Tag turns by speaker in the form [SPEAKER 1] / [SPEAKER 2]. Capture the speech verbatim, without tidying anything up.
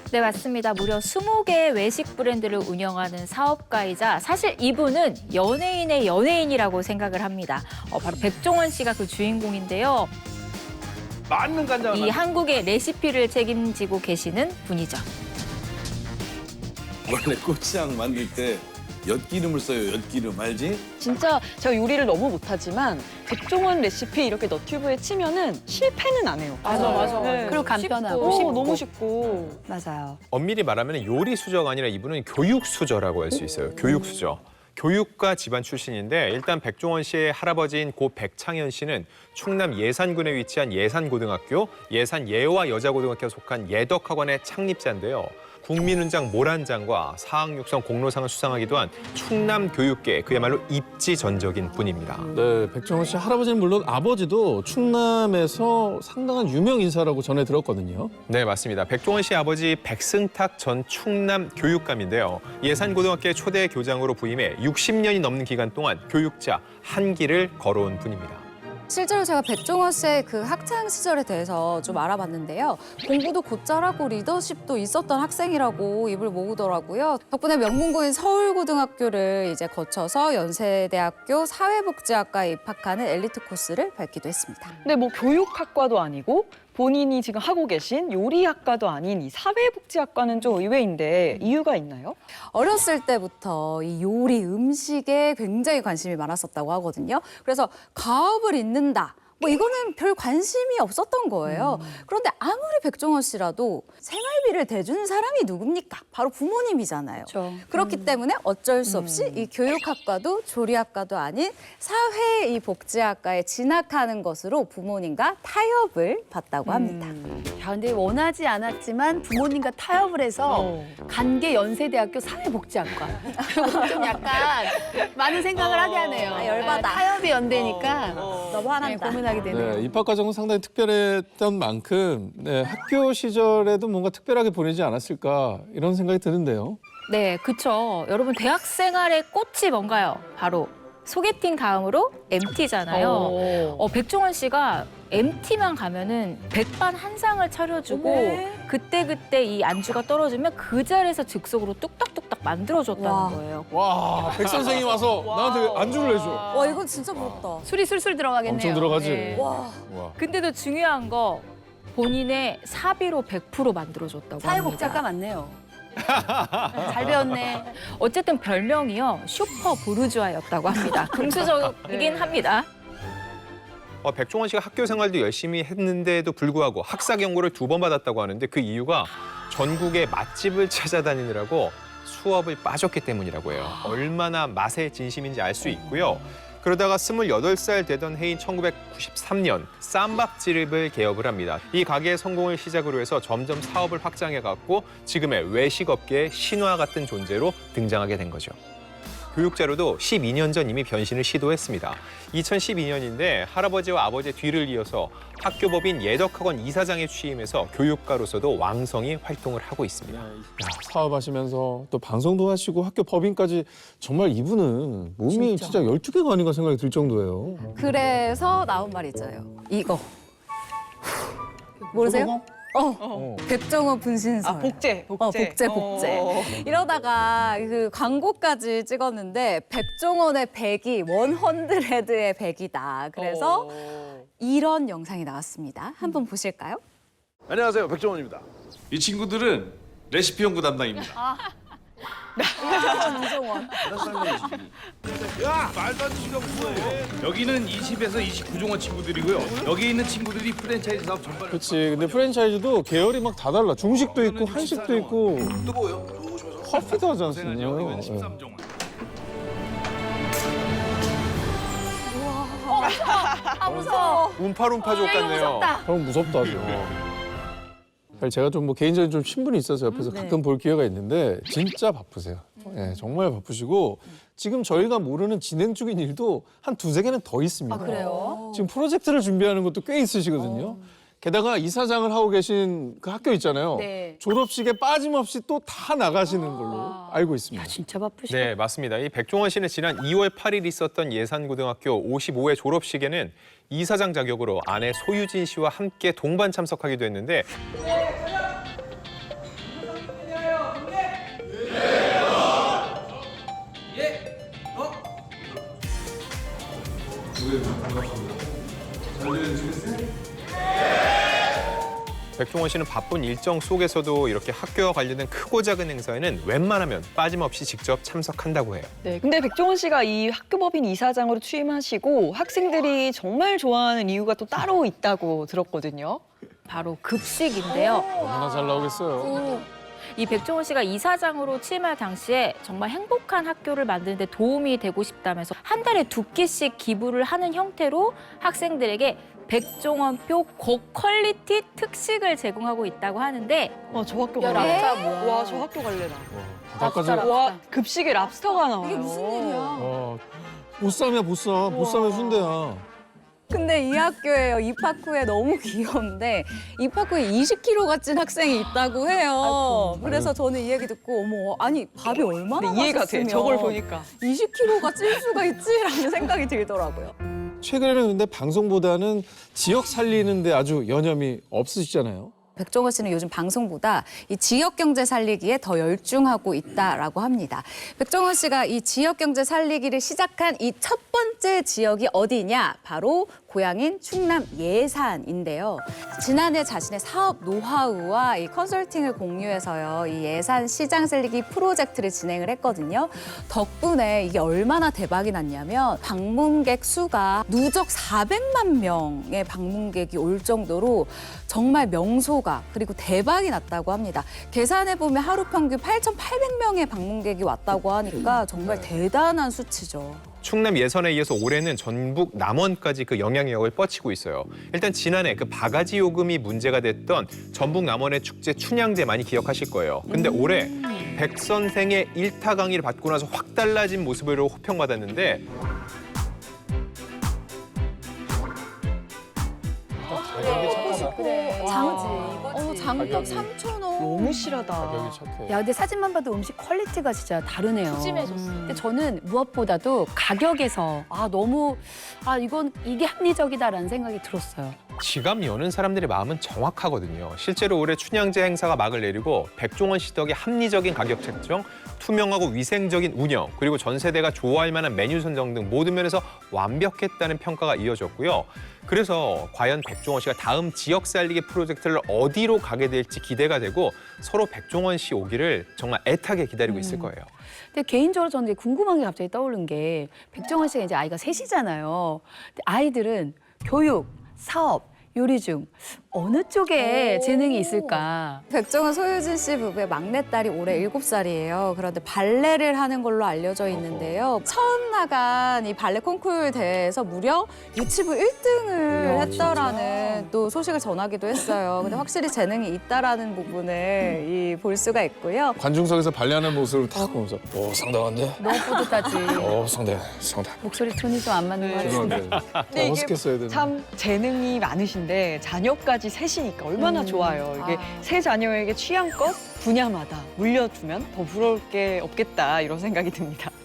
[SPEAKER 1] 네, 맞습니다. 무려 스무 개의 외식 브랜드를 운영하는 사업가이자 사실 이분은 연예인의 연예인이라고 생각을 합니다. 어, 바로 백종원 씨가 그 주인공인데요.
[SPEAKER 2] 맞는 간장을
[SPEAKER 1] 이
[SPEAKER 2] 만들-
[SPEAKER 1] 한국의 레시피를 책임지고 계시는 분이죠.
[SPEAKER 3] 원래 고추장 만들 때 엿기름을 써요. 엿기름 알지?
[SPEAKER 4] 진짜 제가 요리를 너무 못하지만 백종원 레시피 이렇게 너튜브에 치면은 실패는 안 해요.
[SPEAKER 5] 맞아, 맞아.
[SPEAKER 4] 네.
[SPEAKER 5] 그리고 간편하고
[SPEAKER 4] 오,
[SPEAKER 5] 쉽고.
[SPEAKER 4] 너무 쉽고.
[SPEAKER 5] 맞아요.
[SPEAKER 6] 엄밀히 말하면 요리 수저가 아니라 이분은 교육 수저라고 할 수 있어요. 교육 수저. 교육가 집안 출신인데 일단 백종원 씨의 할아버지인 고 백창현 씨는 충남 예산군에 위치한 예산고등학교, 예산예와 여자고등학교에 속한 예덕학원의 창립자인데요. 국민훈장 모란장과 사학육성 공로상을 수상하기도 한 충남 교육계 그야말로 입지전적인 분입니다.
[SPEAKER 7] 네, 백종원 씨 할아버지는 물론 아버지도 충남에서 상당한 유명 인사라고 전해 들었거든요.
[SPEAKER 6] 네, 맞습니다. 백종원 씨 아버지 백승탁 전 충남 교육감인데요. 예산고등학교의 초대 교장으로 부임해 육십 년이 넘는 기간 동안 교육자 한 길을 걸어온 분입니다.
[SPEAKER 5] 실제로 제가 백종원 씨의 그 학창 시절에 대해서 좀 알아봤는데요. 공부도 곧잘하고 리더십도 있었던 학생이라고 입을 모으더라고요. 덕분에 명문고인 서울고등학교를 이제 거쳐서 연세대학교 사회복지학과에 입학하는 엘리트 코스를 밟기도 했습니다.
[SPEAKER 4] 근데 뭐 교육학과도 아니고 본인이 지금 하고 계신 요리학과도 아닌 이 사회복지학과는 좀 의외인데 이유가 있나요?
[SPEAKER 5] 어렸을 때부터 이 요리, 음식에 굉장히 관심이 많았었다고 하거든요. 그래서 가업을 잇는다. 뭐 이거는 별 관심이 없었던 거예요. 그런데 아무리 백종원 씨라도 생활비를 대주는 사람이 누굽니까? 바로 부모님이잖아요.
[SPEAKER 1] 그렇죠.
[SPEAKER 5] 그렇기 때문에 어쩔 수 없이 이 교육학과도 조리학과도 아닌 사회 이 복지학과에 진학하는 것으로 부모님과 타협을 받다고 합니다.
[SPEAKER 8] 야, 근데 원하지 않았지만 부모님과 타협을 해서
[SPEAKER 4] 어.
[SPEAKER 8] 간 게 연세대학교 사회복지학과. 좀 약간 많은 생각을 하게 하네요.
[SPEAKER 5] 아, 열받아.
[SPEAKER 8] 아, 타협이 연대니까
[SPEAKER 5] 너무
[SPEAKER 8] 네,
[SPEAKER 5] 화난다.
[SPEAKER 8] 고민하게 되네요.
[SPEAKER 7] 네, 입학 과정은 상당히 특별했던 만큼 네, 학교 시절에도 뭔가 특별하게 보내지 않았을까 이런 생각이 드는데요.
[SPEAKER 1] 네, 그쵸. 여러분, 대학 생활의 꽃이 뭔가요? 바로 소개팅 다음으로 엠티잖아요. 어, 백종원 씨가 엠티만 가면은 백반한상을 차려주고 그때그때 이 안주가 떨어지면 그 자리에서 즉석으로 뚝딱뚝딱 만들어줬다는
[SPEAKER 5] 와.
[SPEAKER 1] 거예요.
[SPEAKER 7] 와, 백 선생이 와서 나한테 안주를 해줘.
[SPEAKER 5] 와, 이건 진짜 부럽다.
[SPEAKER 8] 술이 술술 들어가겠네요.
[SPEAKER 7] 엄청 들어가지.
[SPEAKER 8] 네.
[SPEAKER 5] 와.
[SPEAKER 7] 와.
[SPEAKER 1] 근데도 중요한 거 본인의 사비로 백 퍼센트 만들어줬다고
[SPEAKER 8] 사회복지학과
[SPEAKER 1] 합니다.
[SPEAKER 8] 맞네요. 잘 배웠네.
[SPEAKER 1] 어쨌든 별명이요. 슈퍼 부르주아였다고 합니다. 금수저이긴 합니다.
[SPEAKER 6] 어, 백종원 씨가 학교 생활도 열심히 했는데도 불구하고 학사 경고를 두 번 받았다고 하는데 그 이유가 전국의 맛집을 찾아다니느라고 수업을 빠졌기 때문이라고 해요. 얼마나 맛에 진심인지 알 수 있고요. 그러다가 스물여덟 살 되던 해인 천구백구십삼 년 쌈밥집을 개업을 합니다. 이 가게의 성공을 시작으로 해서 점점 사업을 확장해갔고 지금의 외식업계의 신화 같은 존재로 등장하게 된 거죠. 교육자로도 십이 년 전 이미 변신을 시도했습니다. 이천십이 년인데 할아버지와 아버지의 뒤를 이어서 학교법인 예덕학원 이사장에 취임해서 교육가로서도 왕성히 활동을 하고 있습니다.
[SPEAKER 7] 야, 사업하시면서 또 방송도 하시고 학교 법인까지 정말 이분은 몸이 진짜 열두 개가 아닌가 생각이 들 정도예요.
[SPEAKER 5] 그래서 나온 말이 있잖아요. 이거. 모르세요? 어. 백종원 분신설.
[SPEAKER 4] 아, 복제, 복제.
[SPEAKER 5] 어, 복제, 복제.
[SPEAKER 4] 어.
[SPEAKER 5] 이러다가 그 광고까지 찍었는데 백종원의 백이 원헌드레드의 백이다. 그래서
[SPEAKER 4] 어.
[SPEAKER 5] 이런 영상이 나왔습니다. 한번 보실까요?
[SPEAKER 2] 안녕하세요, 백종원입니다. 이 친구들은 레시피 연구 담당입니다.
[SPEAKER 5] 이종원.
[SPEAKER 2] 야, 말도 안 되는 시간 뭐해? 여기는 이십에서 이십구 종원 친구들이고요. 여기 있는 친구들이 프랜차이즈 사업 전반을.
[SPEAKER 7] 그렇지. 근데 프랜차이즈도 계열이 막 다 달라. 중식도 있고 한식도 있고
[SPEAKER 2] 또 뭐요? 조심해서.
[SPEAKER 7] 커피도 하지
[SPEAKER 2] 고생하죠.
[SPEAKER 7] 않습니까?
[SPEAKER 2] 이건 십삼 종원.
[SPEAKER 8] 아, 무서워.
[SPEAKER 6] 움파룸파족 같네요.
[SPEAKER 7] 그럼 무섭다 좀. 사실 제가 좀 뭐 개인적인 좀 신분이 있어서 옆에서 가끔 볼 기회가 있는데 진짜 바쁘세요. 예, 정말 바쁘시고 지금 저희가 모르는 진행 중인 일도 한 두세 개는 더 있습니다.
[SPEAKER 8] 아, 그래요?
[SPEAKER 7] 지금 프로젝트를 준비하는 것도 꽤 있으시거든요. 게다가 이사장을 하고 계신 그 학교 있잖아요.
[SPEAKER 8] 네.
[SPEAKER 7] 졸업식에 빠짐없이 또 다 나가시는 걸로 알고 있습니다.
[SPEAKER 8] 진짜 바쁘시다.
[SPEAKER 6] 네, 맞습니다. 이 백종원 씨는 지난 이월 팔일 있었던 예산고등학교 오십오 회 졸업식에는 이사장 자격으로 아내 소유진 씨와 함께 동반 참석하기도 했는데 백종원 씨는 바쁜 일정 속에서도 이렇게 학교와 관련된 크고 작은 행사에는 웬만하면 빠짐없이 직접 참석한다고 해요.
[SPEAKER 4] 네, 근데 백종원 씨가 이 학교법인 이사장으로 취임하시고 학생들이 정말 좋아하는 이유가 또 따로 있다고 들었거든요.
[SPEAKER 1] 바로 급식인데요.
[SPEAKER 7] 얼마나 잘 나오겠어요.
[SPEAKER 1] 이 백종원 씨가 이사장으로 취임할 당시에 정말 행복한 학교를 만드는 데 도움이 되고 싶다면서 한 달에 두 끼씩 기부를 하는 형태로 학생들에게 백종원표 고퀄리티 특식을 제공하고 있다고 하는데
[SPEAKER 4] 와, 저 학교
[SPEAKER 8] 야,
[SPEAKER 4] 갈래.
[SPEAKER 8] 랍스타 뭐야.
[SPEAKER 4] 와, 저 학교 갈래나.
[SPEAKER 7] 바깥까지.
[SPEAKER 8] 랍스타.
[SPEAKER 4] 와, 급식에 랍스터가 나와요.
[SPEAKER 5] 이게 무슨 일이야?
[SPEAKER 7] 와, 보쌈이야 보쌈. 보쌈의 순대야.
[SPEAKER 5] 근데 이 학교에요. 입학 후에 너무 귀여운데 입학 후에 이십 킬로그램가 찐 학생이 있다고 해요. 그래서 저는 이 얘기 듣고 어머 아니 밥이 얼마나
[SPEAKER 4] 근데 이해가 돼.
[SPEAKER 5] 맛있으면
[SPEAKER 4] 저걸 보니까.
[SPEAKER 5] 이십 킬로그램가 찔 수가 있지라는 생각이 들더라고요.
[SPEAKER 7] 최근에는 근데 방송보다는 지역 살리는데 아주 여념이 없으시잖아요.
[SPEAKER 5] 백종원 씨는 요즘 방송보다 이 지역 경제 살리기에 더 열중하고 있다라고 합니다. 백종원 씨가 이 지역 경제 살리기를 시작한 이 첫 번째 지역이 어디냐? 바로 고향인 충남 예산인데요. 지난해 자신의 사업 노하우와 이 컨설팅을 공유해서요. 이 예산 시장 살리기 프로젝트를 진행을 했거든요. 덕분에 이게 얼마나 대박이 났냐면 방문객 수가 누적 사백만 명의 방문객이 올 정도로 정말 명소가 그리고 대박이 났다고 합니다. 계산해보면 하루 평균 팔천팔백 명의 방문객이 왔다고 하니까 정말 대단한 수치죠.
[SPEAKER 6] 충남 예선에 이어서 올해는 전북 남원까지 그 영향력을 뻗치고 있어요. 일단 지난해 그 바가지 요금이 문제가 됐던 전북 남원의 축제 춘향제 많이 기억하실 거예요. 근데 올해 백 선생의 일타 강의를 받고 나서 확 달라진 모습으로 호평받았는데
[SPEAKER 8] 그래.
[SPEAKER 5] 장지. 어, 장떡 삼천 원.
[SPEAKER 4] 너무 실하다.
[SPEAKER 7] 가격이 착해.
[SPEAKER 8] 야, 근데 사진만 봐도 음식 퀄리티가 진짜 다르네요.
[SPEAKER 1] 푸짐해졌어요.
[SPEAKER 8] 근데 저는 무엇보다도 가격에서 아 너무 아 이건 이게 합리적이다라는 생각이 들었어요.
[SPEAKER 6] 지갑 여는 사람들의 마음은 정확하거든요. 실제로 올해 춘향제 행사가 막을 내리고 백종원 씨 덕에 합리적인 가격 책정, 투명하고 위생적인 운영, 그리고 전 세대가 좋아할 만한 메뉴 선정 등 모든 면에서 완벽했다는 평가가 이어졌고요. 그래서 과연 백종원 씨가 다음 지역 살리기 프로젝트를 어디로 가게 될지 기대가 되고 서로 백종원 씨 오기를 정말 애타게 기다리고 있을 거예요.
[SPEAKER 8] 근데 개인적으로 저는 이제 궁금한 게 갑자기 떠오른 게 백종원 씨가 이제 아이가 셋이잖아요. 근데 아이들은 교육, 사업, 요리 중 어느 쪽에 재능이 있을까?
[SPEAKER 5] 백종원 소유진 씨 부부의 막내딸이 올해 일곱 살이에요. 그런데 발레를 하는 걸로 알려져 있는데요. 처음 나간 이 발레 콩쿠르 대회에서 무려 유치부 일 등을 했다라는 또 소식을 전하기도 했어요. 근데 확실히 재능이 있다라는 부분을 이 볼 수가 있고요.
[SPEAKER 7] 관중석에서 발레하는 모습을 딱 보면서 오 상당한데?
[SPEAKER 8] 너무 뿌듯하지.
[SPEAKER 7] 오 상대 상당.
[SPEAKER 8] 목소리 톤이 좀 안 맞는 거 같은데.
[SPEAKER 7] 죄송한데.
[SPEAKER 4] 근데 이게
[SPEAKER 7] 어색했어야 되는데.
[SPEAKER 4] 참 재능이 많으신데 자녀까지 셋이니까 얼마나 좋아요. 이게 세 자녀에게 취향껏 분야마다 물려주면 더 부러울 게 없겠다 이런 생각이 듭니다.